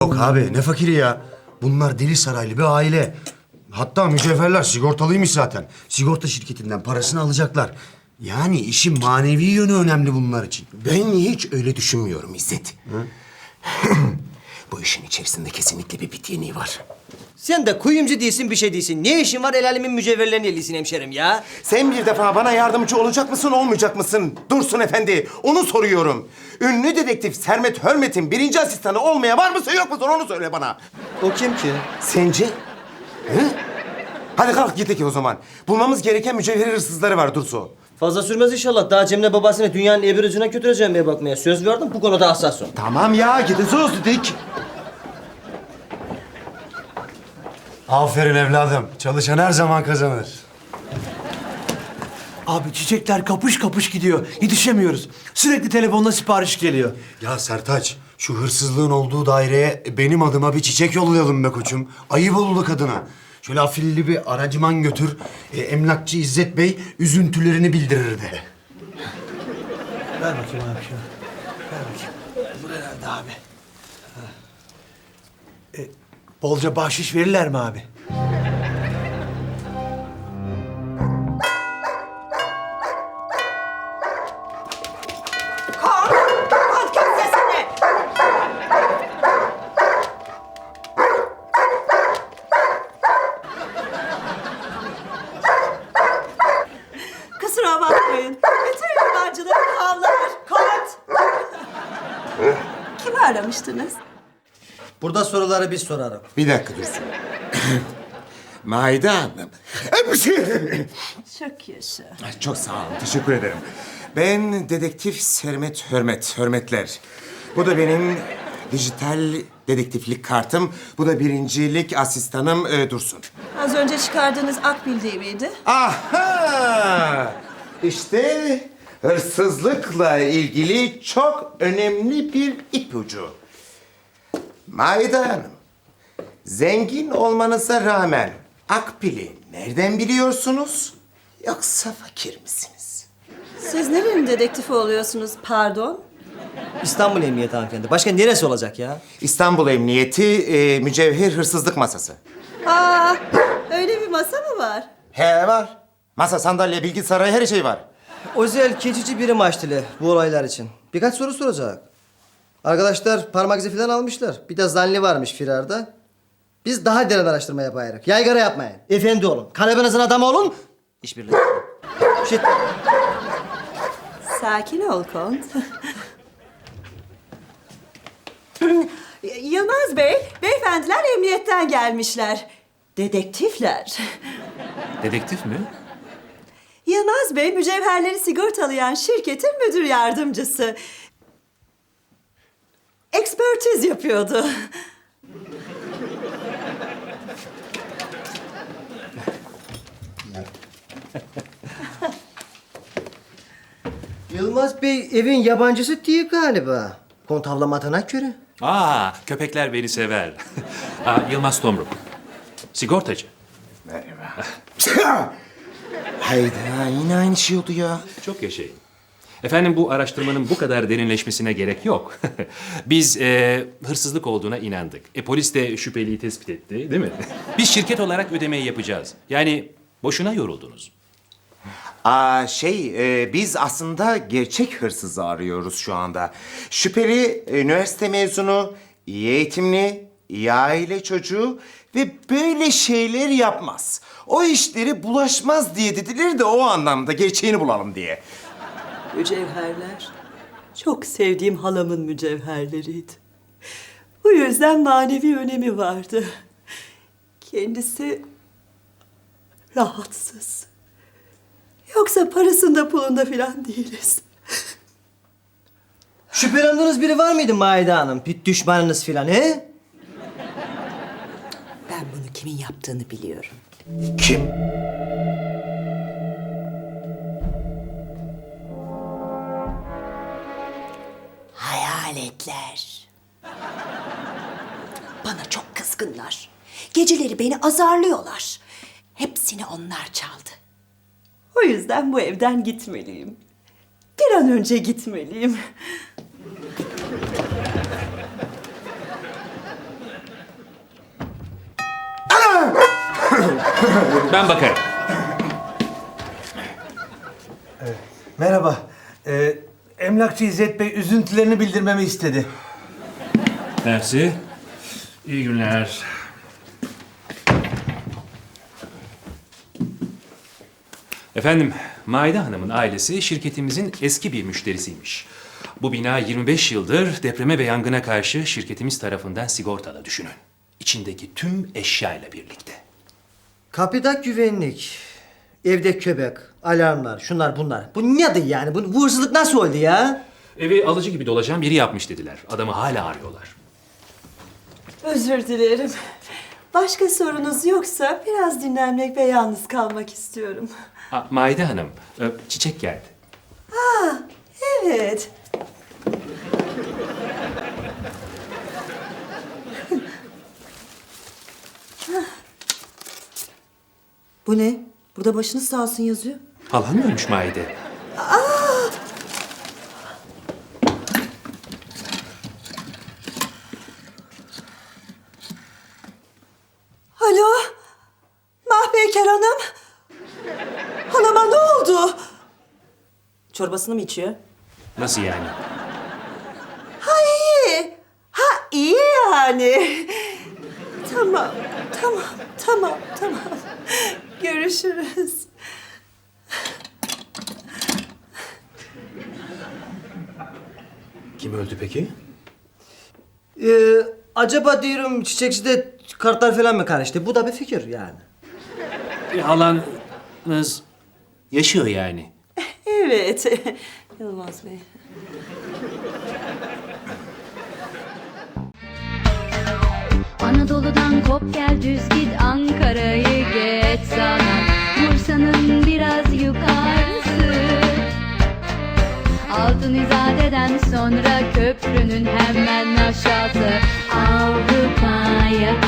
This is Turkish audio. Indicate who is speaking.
Speaker 1: Yok abi ne fakiri ya. Bunlar Deli Saraylı bir aile. Hatta mücevherler sigortalıymış zaten. Sigorta şirketinden parasını alacaklar. Yani işin manevi yönü önemli bunlar için.
Speaker 2: Ben hiç öyle düşünmüyorum İzzet. Bu işin içerisinde kesinlikle bir bit yeniği var.
Speaker 3: Sen de kuyumcu değilsin, bir şey değilsin. Ne işin var el alemin mücevherlerini elisin hemşerim ya?
Speaker 2: Sen bir defa bana yardımcı olacak mısın, olmayacak mısın? Dursun Efendi, onu soruyorum. Ünlü dedektif Sermet Hörmet'in birinci asistanı olmaya var mısın, yok musun? Onu söyle bana.
Speaker 3: O kim ki?
Speaker 2: Sence? Hı? Hadi kalk gidelim o zaman. Bulmamız gereken mücevher hırsızları var Dursun.
Speaker 3: Fazla sürmez inşallah. Daha Cemile babasını dünyanın ebir ucuna götüreceğim diye bakmaya söz verdim. Bu konuda hassas ol.
Speaker 2: Tamam ya, gideceğiz dedik.
Speaker 1: Aferin evladım. Çalışan her zaman kazanır.
Speaker 4: Abi çiçekler kapış kapış gidiyor. Yetişemiyoruz. Sürekli telefonla sipariş geliyor.
Speaker 1: Ya Sertaç, şu hırsızlığın olduğu daireye benim adıma bir çiçek yollayalım be koçum. Ayıp oldu kadına. Şöyle afilli bir aracıman götür. Emlakçı İzzet Bey üzüntülerini bildirir de.
Speaker 4: Ver bakayım abi şunu. Ver bakayım. Bu herhalde abi. Bolca bahşiş verirler mi abi?
Speaker 5: Kont kes sesini. Kusura bakmayın. Bütün yabancıları havlar. Kont. Kimi aramıştınız?
Speaker 3: Burada soruları biz sorarım.
Speaker 2: Bir dakika Dursun. Maide Hanım.
Speaker 5: Çok yaşa.
Speaker 2: Çok sağ olun, teşekkür ederim. Ben dedektif Sermet Hörmet, Hörmetler. Bu da benim dijital dedektiflik kartım. Bu da birincilik asistanım Dursun.
Speaker 5: Az önce çıkardığınız Akbil değil miydi?
Speaker 2: Aha! İşte hırsızlıkla ilgili çok önemli bir ipucu. Maide Hanım, zengin olmanıza rağmen Akbil'i nereden biliyorsunuz? Yoksa fakir misiniz?
Speaker 5: Siz nerenin dedektifi oluyorsunuz pardon?
Speaker 3: İstanbul Emniyeti hanımefendi. Başka neresi olacak ya?
Speaker 2: İstanbul Emniyeti mücevher hırsızlık masası.
Speaker 5: Aa, öyle bir masa mı var?
Speaker 2: He var. Masa, sandalye, bilgisayar, her şey var.
Speaker 3: Özel keçici birim açtılar bu olaylar için. Birkaç soru soracak. Arkadaşlar parmak izi falan almışlar. Bir de zanli varmış firarda. Biz daha derin araştırma yapayız. Yaygara yapmayın. Efendi olun. Kalebenizin adamı olun. İşbirliği. Shit.
Speaker 5: Sakin ol Kont. Yılmaz Bey, beyefendiler emniyetten gelmişler. Dedektifler.
Speaker 6: Dedektif mi?
Speaker 5: Yılmaz Bey, mücevherleri sigortalayan şirketin müdür yardımcısı. Ekspertiz yapıyordu.
Speaker 3: Yılmaz Bey evin yabancısı değil galiba. Kontavlamadığına göre.
Speaker 6: Aa, köpekler beni sever. Yılmaz Tomruk. Sigortacı.
Speaker 2: Hayda, yine aynı şey oldu ya.
Speaker 6: Çok yaşayın. Efendim bu araştırmanın bu kadar derinleşmesine gerek yok. Biz hırsızlık olduğuna inandık. Polis de şüpheliyi tespit etti, değil mi? Biz şirket olarak ödemeyi yapacağız. Yani boşuna yoruldunuz.
Speaker 2: Biz aslında gerçek hırsızı arıyoruz şu anda. Şüpheli, üniversite mezunu, iyi eğitimli, iyi aile çocuğu ve böyle şeyler yapmaz. O işleri bulaşmaz diye dediler de o anlamda gerçeğini bulalım diye.
Speaker 5: Mücevherler. Çok sevdiğim halamın mücevherleriydi. Bu yüzden manevi önemi vardı. Kendisi rahatsız. Yoksa parasında pulunda filan değiliz.
Speaker 3: Şüphelendiğiniz biri var mıydı Maide Hanım? Bir düşmanınız filan he?
Speaker 5: Ben bunu kimin yaptığını biliyorum.
Speaker 2: Kim?
Speaker 5: Hayaletler. Bana çok kızgınlar. Geceleri beni azarlıyorlar. Hepsini onlar çaldı. O yüzden bu evden gitmeliyim. Bir an önce gitmeliyim.
Speaker 6: Ben bakarım.
Speaker 4: Merhaba. Emlakçı İzzet Bey üzüntülerini bildirmemi istedi.
Speaker 6: Mersi. İyi günler. Efendim, Maide Hanım'ın ailesi şirketimizin eski bir müşterisiymiş. Bu bina 25 yıldır depreme ve yangına karşı şirketimiz tarafından sigortalı düşünün. İçindeki tüm eşyayla birlikte.
Speaker 3: Kapıda güvenlik, evde köpek, alarmlar, şunlar bunlar. Bu nedir yani? Bu hırsızlık nasıl oldu ya?
Speaker 6: Evi alıcı gibi dolaşan biri yapmış dediler. Adamı hala arıyorlar.
Speaker 5: Özür dilerim. Başka sorunuz yoksa biraz dinlenmek ve yalnız kalmak istiyorum.
Speaker 6: Maide Hanım, çiçek geldi.
Speaker 5: Evet. Bu ne? Burada başınız sağ olsun yazıyor.
Speaker 6: Halan mı ölmüş Maide?
Speaker 5: Alo? Mahpeyker Hanım? Halama ne oldu? Çorbasını mı içiyor?
Speaker 6: Nasıl yani?
Speaker 5: Ha iyi. Ha iyi yani. Tamam, tamam. Görüşürüz.
Speaker 6: Kim öldü peki?
Speaker 3: Acaba diyorum çiçekçide kartlar falan mı karıştı? Bu da bir fikir yani.
Speaker 6: Halanız yaşıyor yani.
Speaker 5: Evet. Yılmaz Bey.
Speaker 7: Anadolu'dan kop gel düz git Ankara'yı geç sana Bursa'nın biraz yukarısı Altın İzade'den sonra köprünün hemen aşağısı Avrupa yakası